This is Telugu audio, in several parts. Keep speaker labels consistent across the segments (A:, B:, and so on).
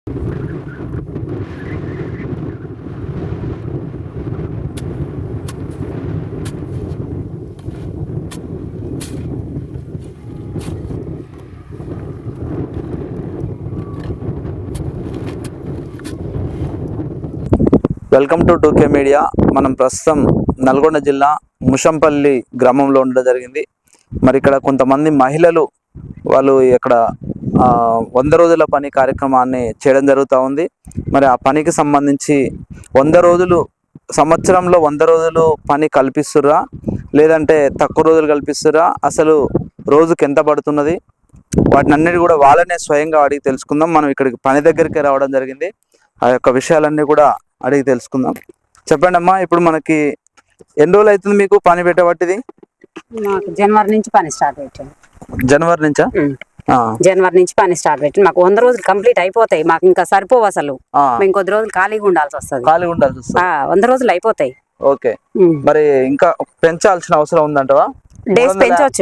A: Welcome to 2K media. మనం ప్రస్తుతం నల్గొండ జిల్లా ముషంపల్లి గ్రామంలో ఉండడం జరిగింది. మరి ఇక్కడ కొంతమంది మహిళలు వాళ్ళు ఇక్కడ 100 రోజుల పని కార్యక్రమాన్ని చేయడం జరుగుతూ ఉంది. మరి ఆ పనికి సంబంధించి 100 రోజులు సంవత్సరంలో 100 రోజులు పని కల్పిస్తుర్రా లేదంటే తక్కువ రోజులు కల్పిస్తుర్రా, అసలు రోజుకి ఎంత పడుతున్నది, వాటిని అన్నిటి కూడా వాళ్ళనే స్వయంగా అడిగి తెలుసుకుందాం. మనం ఇక్కడికి పని దగ్గరికి రావడం జరిగింది. ఆ యొక్క విషయాలన్నీ కూడా అడిగి తెలుసుకుందాం. చెప్పండి అమ్మా, ఇప్పుడు మనకి ఎన్ని రోజులు అవుతుంది మీకు పని పెట్టబట్టిది?
B: మాకు జనవరి నుంచి పని స్టార్ట్ పెట్టాను.
A: జనవరి నుంచా?
B: జనవరి నుంచి పని స్టార్ట్ పెట్టి మాకు 100 రోజులు కంప్లీట్ అయిపోతాయి. మాకు ఇంకా సరిపోవు అసలు. మేము కొద్ది రోజులు ఖాళీగా ఉండాల్సి వస్తుంది. 100 రోజులు అయిపోతాయి.
A: ఓకే, మరి ఇంకా పెంచాల్సిన అవసరం ఉందంటవా?
B: డేస్ పెంచవచ్చు.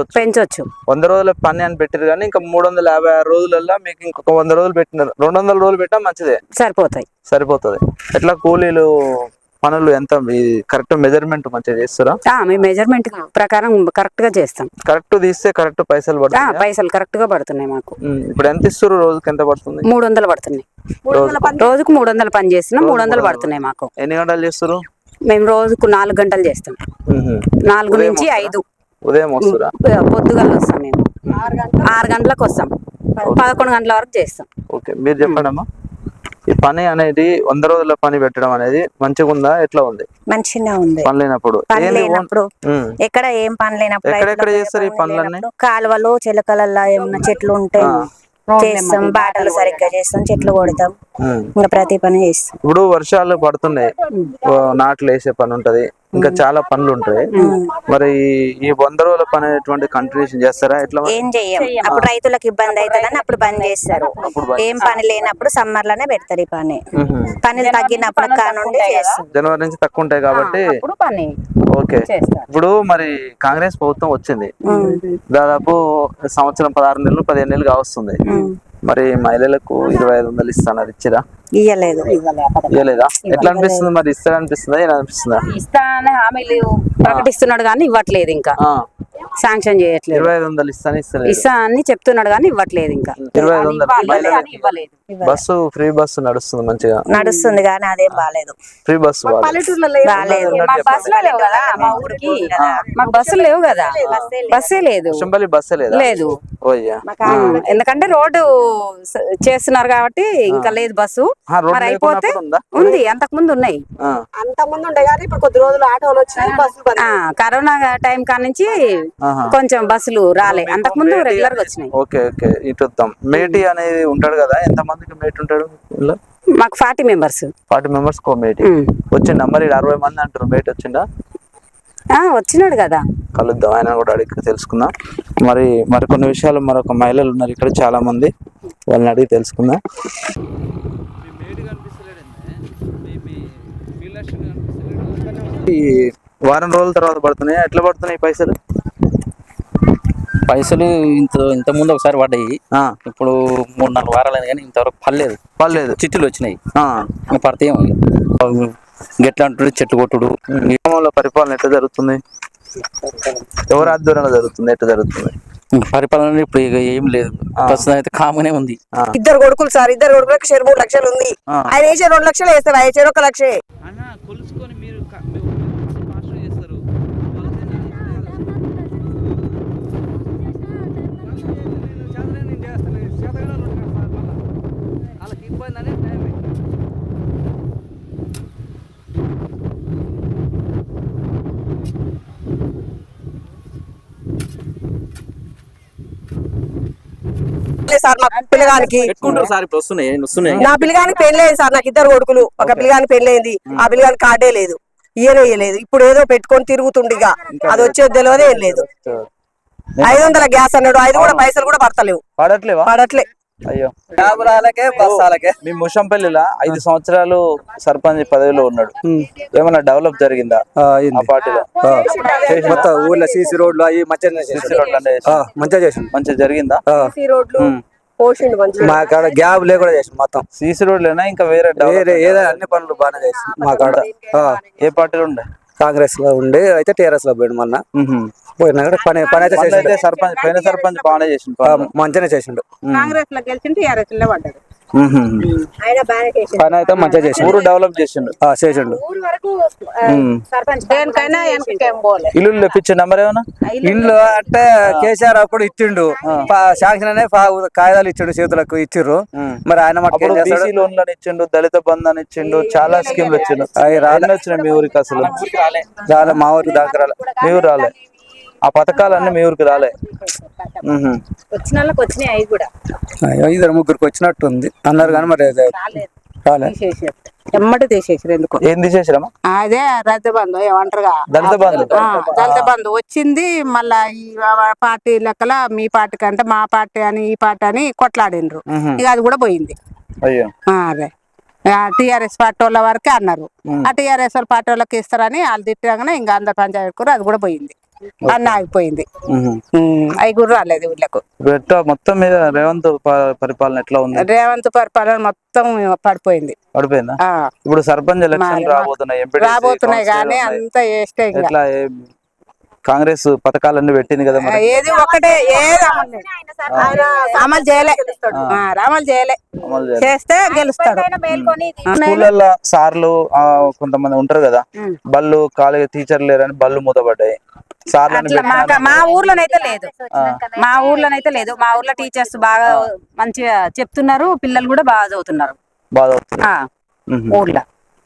A: 100 రోజుల పని అని పెట్టారు కానీ ఇంకా 356 రోజులలో మీకు ఇంకొక 100 రోజులు పెట్టినారు. 200 రోజులు పెట్టా మంచిదే, సరిపోతుంది. ఎట్లా కూలీలు పనులు ఎంత కరెక్ట్ మెజర్మెంట్ మంచిగా చేస్తారా?
B: మేము మెజర్మెంట్ ప్రకారం కరెక్ట్ గా చేస్తాం.
A: కరెక్ట్ తీస్తే కరెక్ట్ పైసలు పడుతుంది.
B: పైసలు కరెక్ట్ గా పడుతున్నాయి మాకు.
A: ఇప్పుడు ఎంత ఇస్తారు? రోజుకి ఎంత పడుతుంది?
B: 300 పడుతున్నాయి. రోజుకు 300 పని చేస్తున్నాం. 300 పడుతున్నాయి మాకు.
A: ఎన్ని గంటలు చేస్తారు?
B: మేము రోజుకు 4 గంటలు చేస్తాం. 4 నుంచి 5
A: ఉదయం వస్తారా?
B: పొద్దుగల వస్తాం. మేము 6 గంటలకు వస్తాం. 11 గంటల వరకు చేస్తాం.
A: ఓకే, మీరు చెప్పండి అమ్మా, ఈ పని అనేది 100 రోజుల పని పెట్టడం అనేది మంచిగా ఉందా? ఎట్లా ఉంది?
C: మంచిగా ఉంది.
A: పని లేనప్పుడు
C: ఎక్కడ ఏం పని లేనప్పుడు
A: ఎక్కడ చేస్తారు ఈ పనులన్నీ?
C: కాలువలు చిలకలల్లో ఏమన్నా చెట్లు ఉంటే చేస్తాం. బాటలు సరిగ్గా చేస్తాం, చెట్లు కొడతాం, ఇంకా ప్రతి పని చేస్తాం.
A: ఇప్పుడు వర్షాలు పడుతున్నాయి, నాట్లు వేసే పని ఉంటది, ఇంకా చాలా పనులు ఉంటాయి. మరి ఈ 100 రోజుల పని ఎటువంటి కంటిన్యూషన్ చేస్తారా? ఎట్లా?
C: ఏం చెయ్యం. అప్పుడు రైతులకు ఇబ్బంది అవుతుందని అప్పుడు బంద్ చేస్తారు. ఏం పని లేనప్పుడు సమ్మర్ లోనే పెడతారు ఈ పని. పనులు తగ్గినప్పుడు కానుండి చేస్తాం.
A: జనవరి నుంచి తక్కువ ఉంటాయి కాబట్టి. ఓకే, ఇప్పుడు మరి కాంగ్రెస్ ప్రభుత్వం వచ్చింది, దాదాపు సంవత్సరం 16 నెలలు 15 నెలలు కావస్తుంది. మరి మహిళలకు 2500 ఇస్తాను, ఇచ్చిరా? ఇయ్యలేదా? ఎట్లా అనిపిస్తుంది మరి? ఇస్తా అనిపిస్తుందా, ఏం అనిపిస్తుందా?
B: ఇస్తా అనే హామీలు ప్రకటిస్తున్నాడు కానీ ఇవ్వట్లేదు. ఇంకా శాంక్షన్ చేయట్లేదు.
A: 2500
B: ఇస్తా అని చెప్తున్నాడు కానీ ఇవ్వట్లేదు. ఇంకా
A: 2500 బస్సు ఫ్రీ బస్సు నడుస్తుంది, మంచిగా
C: నడుస్తుంది కానీ అదేం బాలేదు.
A: ఫ్రీ బస్సు
B: బస్సులు లేవు కదా మా ఊరికి. మాకు బస్సులు లేవు కదా, బస్సే లేదు.
A: బస్సే
B: లేదు, ఎందుకంటే రోడ్డు చేస్తున్నారు కాబట్టి ఇంకా లేదు బస్సు. మరి అయిపోతే ఉంది, అంతకు ముందు ఉన్నాయి.
D: అంతకుముందు ఉండే కానీ ఇప్పుడు కొద్ది రోజులు ఆటోలు వచ్చినాయి, బస్సులు.
B: కరోనా టైం కాడ నుంచి కొంచెం బస్సులు రాలే, అంతకు ముందు రెగ్యులర్ గా వచ్చినాయి.
A: ఓకే ఓకే, ఇటు మేటి అనేది ఉంటాడు కదా, ఎంత మందికి మేటి ఉంటాడు?
B: మాకు 40 మెంబర్స్.
A: 40 మెంబర్స్ కో మేటి వచ్చిందా? మరి 60 మంది అంటారు, మేటి వచ్చిందా?
B: వచ్చినాడు కదా,
A: కలుద్దాం, ఆయన కూడా అడిగి తెలుసుకుందాం. మరి కొన్ని విషయాలు మరొక మహిళలు ఉన్నారు ఇక్కడ చాలా మంది, వాళ్ళని అడిగి తెలుసుకుందాం. ఈ వారం రోజుల తర్వాత పడుతున్నాయి, ఎట్లా పడుతున్నాయి పైసలు?
E: ఇంత ముందు ఒకసారి పడ్డాయి, ఇప్పుడు 3-4 వారాలు కానీ ఇంతవరకు పర్లేదు. చిట్టులు వచ్చినాయి, పడతాయేమో. గెట్లా అంటుడు, చెట్లు కొట్టుడు.
A: గ్రామంలో పరిపాలన ఎట్లా జరుగుతుంది? ఎవరి ఆధ్వర్యంలో జరుగుతుంది? ఎట్లా జరుగుతుంది
E: పరిపాలన? ఇప్పుడు ఏం లేదు, ప్రస్తుతం అయితే కామనే ఉంది.
D: 2 కొడుకులు సార్, 2 కొడుకులకు 3 లక్షలు ఉంది. ఆయన వేసే 2 లక్షలు వేస్తారు, ఆయన 1 లక్షే. సార్ మా పిల్లగానికి నా పిల్లగానికి పెళ్ళలేదు సార్. నాకు 2 కొడుకులు, ఒక పిల్లగానికి పెళ్ళైంది, ఆ పిల్లగానికి కార్డే లేదు, ఇయ్యలేదు. ఇప్పుడు ఏదో పెట్టుకొని తిరుగుతుండిగా, అది వచ్చేది తెలియదు, ఏం లేదు. 500 గ్యాస్ అన్నాడు, 5 కూడా పైసలు కూడా పడట్లే.
A: అయ్యో, మీ ముషంపల్లిలో 5 సంవత్సరాలు సర్పంచ్ పదవిలో ఉన్నాడు, ఏమన్నా డెవలప్ జరిగిందా ఆ పార్టీలో?
F: మొత్తం ఊర్లో సీసీ రోడ్లు అవి మంచిగా జరిగిందా?
D: పోషిండు మంచిగా.
F: మా కాడ గ్యాప్ లేకుండా చేసి మొత్తం
A: సీసీ రోడ్లేనా ఇంకా వేరే
F: వేరే ఏదో అన్ని పనులు బాగానే చేసి మా కాడ
A: ఏ పార్టీలు ఉండే?
F: కాంగ్రెస్ లో ఉండే అయితే టీఆర్ఎస్ లో పోయిండు మొన్న పోయినా కూడా పని పని అయితే
A: అయితే
F: చేసిండు.
A: సర్పంచ్ పైన సర్పంచ్ బాగానే చేసిండు
F: మంచిగానే చేసిండు.
D: కాంగ్రెస్ లో గెలిచిండు, టీఆర్ఎస్ లో పడ్డాడు.
C: ఆయన బాగానే చేసిండు.
F: పని అయితే మంచిగా చేసిండు.
A: ఊరు డెవలప్ చేసిండు.
F: చేసిండు.
C: ఊరు వరకు సర్పంచ్
D: దేనికైనా వెనకకేం పోలే.
A: ఇల్లు తెప్పించే నెంబర్ ఏమన్నా?
F: ఇండ్లు అంటే కేసీఆర్ అప్పుడు ఇచ్చిండు శాంక్షన్ అనే కాగితాలు ఇచ్చిండు, చేతులకు ఇచ్చిర్రు. మరి ఆయన మటుకు ఏం చేస్తాడు?
A: బీసీ లోన్లను ఇచ్చిండు, దళిత బంధు ఇచ్చిండు, చాలా స్కీమ్లు ఇచ్చిండు. అవి రాలే వచ్చినాయి మీ ఊరికి అసలు?
F: రాలే, మా ఊరికి దాకా రాలే.
A: మీ ఊరు రాలే. ఆ పథకాలన్నీ మీ ఊరికి రాలే.
B: వచ్చిన వాళ్ళకి వచ్చినాయి అవి కూడా
F: ఇద్దరు ముగ్గురికి వచ్చినట్టుంది అన్నారు కానీ మరి రాలే.
D: ఎమ్మటి తీసేసారు ఎందుకు?
A: ఏం తీసేసారమ్మా?
D: అదే రైతు బంధు ఏమంటారుగా,
A: దళిత బంధు.
D: దళిత బంధు వచ్చింది. మళ్ళా ఈ పార్టీ లెక్కల మీ పార్టీ కంటే మా పార్టీ అని ఈ పార్టీ అని కొట్లాడినరు. ఇక అది కూడా పోయింది.
A: అయ్యో.
D: అదే టీఆర్ఎస్ పార్టీ వాళ్ళ వరకే అన్నారు. ఆ టీఆర్ఎస్ వాళ్ళ పార్టీ వాళ్ళకి ఇస్తారని వాళ్ళు తిట్టగానే ఇంకా అందరు పంచాయతీ కూర అది కూడా పోయింది, అన్న ఆగిపోయింది. అవి కూడా రాలేదు ఊళ్ళకు.
A: ఎట్లా మొత్తం మీద రేవంత్ పరిపాలన ఎట్లా ఉంది?
D: రేవంత్ పరిపాలన మొత్తం పడిపోయింది.
A: పడిపోయిందా? ఇప్పుడు సర్పంచ్ ఎలక్షన్ రాబోతున్నాయి,
D: రాబోతున్నాయి కానీ అంత వేస్తే
A: ఎట్లా కాంగ్రెస్ పథకాలన్నీ పెట్టింది కదా మరి?
D: ఏది ఒకటే ఏది అమలు చేయలే, అమలు చేయలే. చేస్తే గెలుస్తాడు.
A: స్కూళ్ళల్లో సార్లు కొంతమంది ఉంటారు కదా, బళ్ళు కాలేజ్ టీచర్లు లేరని బళ్ళు మూతపడ్డాయి.
B: మా ఊర్లోనైతే లేదు, మా ఊర్లో టీచర్స్ బాగా మంచిగా చెప్తున్నారు, పిల్లలు కూడా బాగా చదువుతున్నారు.
A: బాగా అవుతుంది
B: ఊర్లో.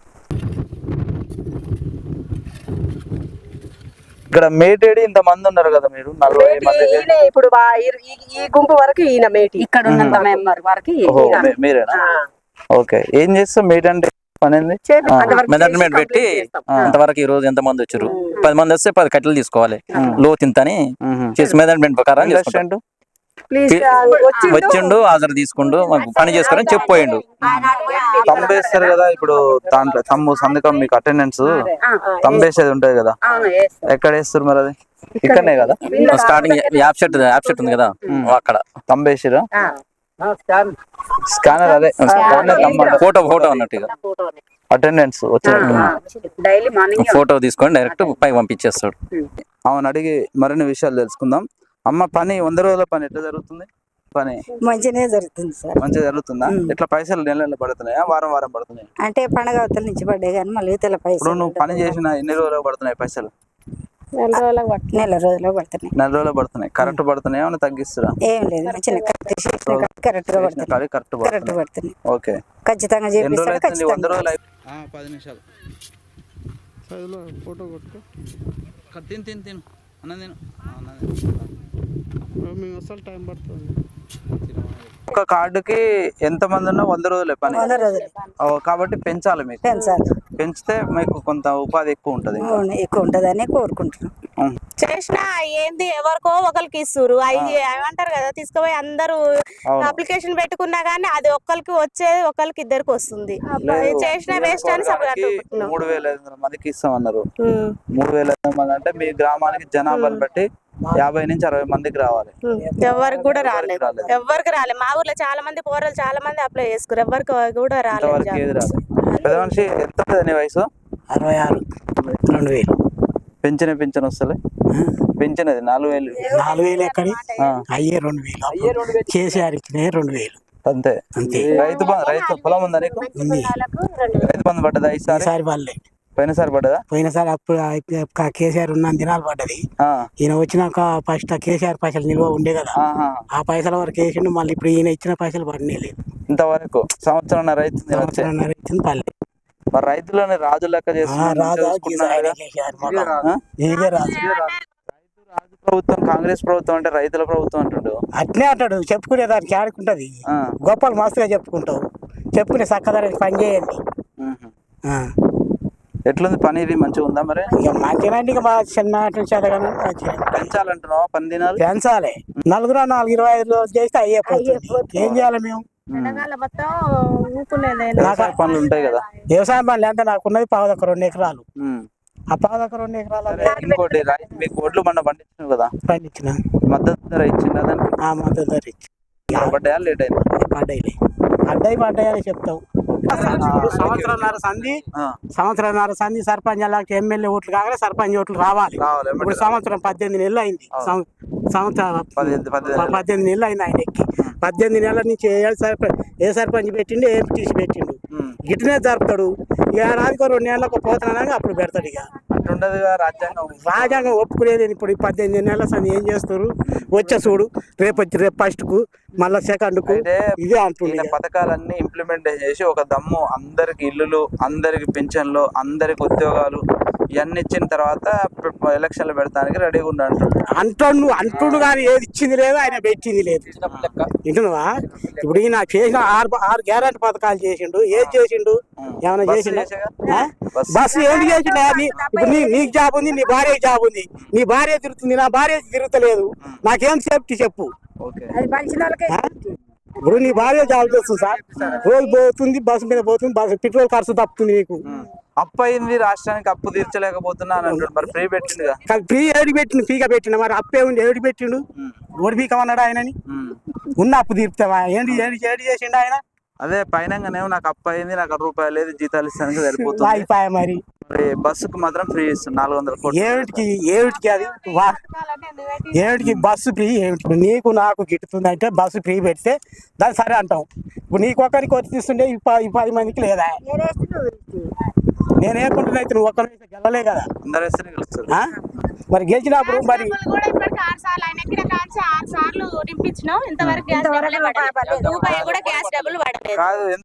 A: ఇక్కడ మేటేడి ఇంత మంది ఉన్నారు కదా, మీరు 40 మంది.
D: ఇప్పుడు ఈ గుంపు వరకు ఈయన మేటి,
B: ఇక్కడ ఉన్నంత మెంబర్ వరకు
A: మీరేనా? ఓకే. ఏం చేస్తాం మేట్ అంటే పని ఏంది?
E: మెజర్మెంట్ పెట్టి అంతవరకు ఈ రోజు ఎంత మంది వచ్చారు, 10 మంది వస్తే 10 కట్టెలు తీసుకోవాలి, లోతు ఇంతని చేసి మెజర్మెంట్ ప్రకారం చేసుకుంటాం. వచ్చిండు హాజరు తీసుకుండు, మాకు పని చేసుకోవాలని చెప్పిపోయిండు.
A: తంబేస్తారు కదా ఇప్పుడు, దాంట్లో తమ్ము సంతకం మీకు అటెండెన్స్ తంబేసేది ఉంటది కదా, ఎక్కడ వేస్తారు మరి? అది ఇక్కడనే కదా
E: స్టార్టింగ్ యాప్ సెట్ ఉంది కదా, అక్కడ
A: తంబేసిరా? స్కానర్ అదే
E: ఫోటో అన్నట్టుగా
A: అటెండెన్స్
B: డైలీ మార్నింగ్
E: ఫోటో తీసుకొని డైరెక్ట్ పైకి పంపించేస్తాడు.
A: అవును, అడిగి మరిన్ని విషయాలు తెలుసుకుందాం. అమ్మ, పని 100 రోజుల పని ఎట్లా జరుగుతుంది? పని
C: మంచిగానే జరుగుతుంది సార్.
A: మంచిగా జరుగుతుందా? ఎట్లా పైసలు నెల పడుతున్నాయా, వారం పడుతున్నాయి?
C: అంటే పండగ అవతల నుంచి పడ్డాయి కానీ మళ్ళీ తెల్ల పైసలు.
A: ఇప్పుడు నువ్వు పని చేసిన ఎన్ని రోజులకు పడుతున్నాయి పైసలు?
C: నెల రోజులకు పడుతున్నాయి.
A: నెల రోజులు పడుతున్నాయి. కరెక్ట్ పడుతున్నాయి, ఏమైనా తగ్గిస్తురా?
C: ఏం లేదు, మంచిగా కరెక్ట్ గా పడుతున్నాయి.
A: ఓకే.
C: ఖచ్చితంగా చేపిస్తాడు.
A: 100 రోజులు 10 నిమిషాలు ఫోటో కొట్టుకో. తిను అన్నది మేము అసలు టైం పడుతుంది. ఒక కార్డుకి ఎంత మంది ఉన్నా 100 రోజులే పని.
C: 100 రోజులు
A: కాబట్టి పెంచాలి, మీకు పెంచితే మీకు కొంత ఉపాధి ఎక్కువ ఉంటది
C: అని కోరుకుంటున్నాం.
G: చేసిన ఏంది ఎవరికో ఒకరికి ఇస్తురు, అవి ఏమంటారు కదా, తీసుకుపోయి అందరూ అప్లికేషన్ పెట్టుకున్నా గానీ అది ఒక్కరికి వచ్చేది ఒకరికి ఇద్దరికి వస్తుంది. చేసిన వేస్ట్ అని
A: 3500 మందికి ఇస్తామన్నారు. 3500 మంది అంటే మీ గ్రామానికి జనాభాను బట్టి 50 నుంచి 60 మందికి రావాలి.
G: ఎవరికి కూడా రాలేదు, ఎవరికి రాలేదు. మా ఊర్లో చాలా మంది పోరాలు చాలా మంది అప్లై చేసుకురు, ఎవరికి కూడా రాలేదు.
A: పెద్ద మనిషి ఎంత నీ వయసు?
H: 66. 2000
A: పెన్షన్ వస్తలే? పెన్షన్ అది 4000
H: ఎక్కడి అయ్యే 2000 కేసీఆర్ ఇచ్చినాయి 2000
A: అంతే. రైతు పొలం ఉందా నీకు? రైతు బంధు పడ్డదా ఈసారి? పోయినసారి పడ్డదా?
H: పోయినసారి అప్పుడు కేసీఆర్ ఉన్న దినాలు పడ్డది. ఈయన వచ్చినాక ఫస్ట్ కేసీఆర్ పైసలు నిల్వ ఉండే కదా, ఆ పైసల వరకు వేసిండు. మళ్ళీ ఇప్పుడు ఈయన ఇచ్చిన పైసలు పడినే లేదు
A: ఇంతవరకు. సంవత్సరం రైతు
H: పల్లె
A: మరి రైతులని రాజు లెక్క చేస్తున్నారు. ప్రభుత్వం కాంగ్రెస్ ప్రభుత్వం అంటే రైతుల ప్రభుత్వం అంటాడు.
H: అట్నే అంటాడు, చెప్పుకునే దానికి ఆడుకుంటది. గొప్పలు మస్తుగా చెప్పుకుంటావు, చెప్పుకునే చక్కదానికి పని చేయండి.
A: ఎట్లుంది పని? ఇది మంచిగా ఉందా మరి?
H: మంచిగా ఇక మా చిన్న
A: పెంచాలంటున్నావా? 10 దినాలు
H: పెంచాలి. 4-25 రోజులు చేస్తే అయిపోతుంది. ఏం చేయాలి మేము?
A: పనులు ఉంటాయి కదా,
H: వ్యవసాయం పనులు ఎంత నాకున్నది 2 ఎకరాలు. ఆ 2 ఎకరాలు
A: ఇంకోటి మీకు ఒడ్లు పండించినావు కదా,
H: పండించిన
A: మద్దతు ధర ఇచ్చిందా దానికి?
H: మద్దతు ధర ఇచ్చి
A: పడ్డాయా లేట్ అయింది
H: పడ్డాయి అని చెప్తాం. సంవత్సరంన్నర సంధి సర్పంచ్ అలాంటి ఎమ్మెల్యే ఓట్లు కాగానే సర్పంచ్ ఓట్లు రావాలి. ఇప్పుడు సంవత్సరం 18 నెలలు అయింది. సంవత్సరం 18 నెలలు అయింది ఆయన ఎక్కి. 18 నెలల నుంచి ఏ సర్పంచ్ పెట్టిండు, ఏ ఎంపీటీసీ పెట్టిండు, గిట్లనే జరుపుతాడు. ఏడాదికో 2 నెలలకు పోతున్నాగా అప్పుడు పెడతాడు. ఇక రాజ్యాంగం ఒప్పుకునేది. ఇప్పుడు 18 నెలల సంది ఏం చేస్తారు? వచ్చే చూడు, రేపు ఫస్ట్ కు మళ్ళా సెకండ్ కు ఇదే అంటుంది.
A: పథకాలన్నీ ఇంప్లిమెంట్ చేసి ఒక దమ్ము అందరికి ఇల్లులు, అందరికి పింఛన్లు, అందరికి ఉద్యోగాలు ఇవన్నీ ఇచ్చిన తర్వాత ఎలక్షన్లు పెడతానికి రెడీగా
H: అంటుండు కానీ ఏది ఇచ్చింది లేదు, ఆయన పెట్టింది లేదు. వింటున్నావా? ఇప్పుడు ఈయన చేసిన 6 గ్యారెంటీ పథకాలు చేసిండు. ఏది చేసిండు? ఏమైనా చేసిండు? బస్సు ఏంటి చేసిండు? ఇప్పుడు నీకు జాబ్ ఉంది, నీ భార్యకి జాబ్ ఉంది. నీ భార్య తిరుగుతుంది, నా భార్య తిరుగుతలేదు. నాకేం సేఫ్టీ చెప్పు? ఇప్పుడు నీ భార్య జాబ్ చేస్తుంది సార్, రోజు పోతుంది, బస్సు మీద పోతుంది, బస్సు పెట్రోల్ ఖర్చు తప్పుతుంది. నీకు
A: అప్పు అయింది, రాష్ట్రానికి అప్పు తీర్చలేకపోతున్నా అని అంటాడు. మరి ఫ్రీ పెట్టింది,
H: ఫ్రీ ఏడు పెట్టిండు, ఫ్రీగా పెట్టిండు. మరి అప్పే ఉంది, ఏడు పెట్టిండు, ఓడి పీకమన్నాడు ఆయనని. ఉన్న అప్పు తీర్పుతావా? ఏంటి ఏడు చేసిండు ఆయన?
A: అదే పైనంగానేమో నాకు అప్పు అయింది, నాకు రూపాయలు లేదు, జీతాలు ఇస్తానికి సరిపోతుంది.
H: అయిపోయా మరి
A: బస్సుకు మాత్రం ఫ్రీ ఇస్తుంది 400 కోట్లు.
H: ఏమిటికి అది? ఏమిటికి బస్సు ఫ్రీ? ఏమిటి నీకు నాకు గిట్టుతుంది అంటే బస్సు ఫ్రీ పెడితే దాన్ని సరే అంటాం. ఇప్పుడు నీకు ఒక్కరికి వచ్చి తీస్తుండే ఈ 10 మందికి లేదా? నేనేకుంటున్నా అయితే నువ్వు ఒక్కరి గెలవలే కదా,
A: అందరూ వేస్తేనే గెలుస్తారు.
H: మరి గెలిచినప్పుడు మరి
G: కాదు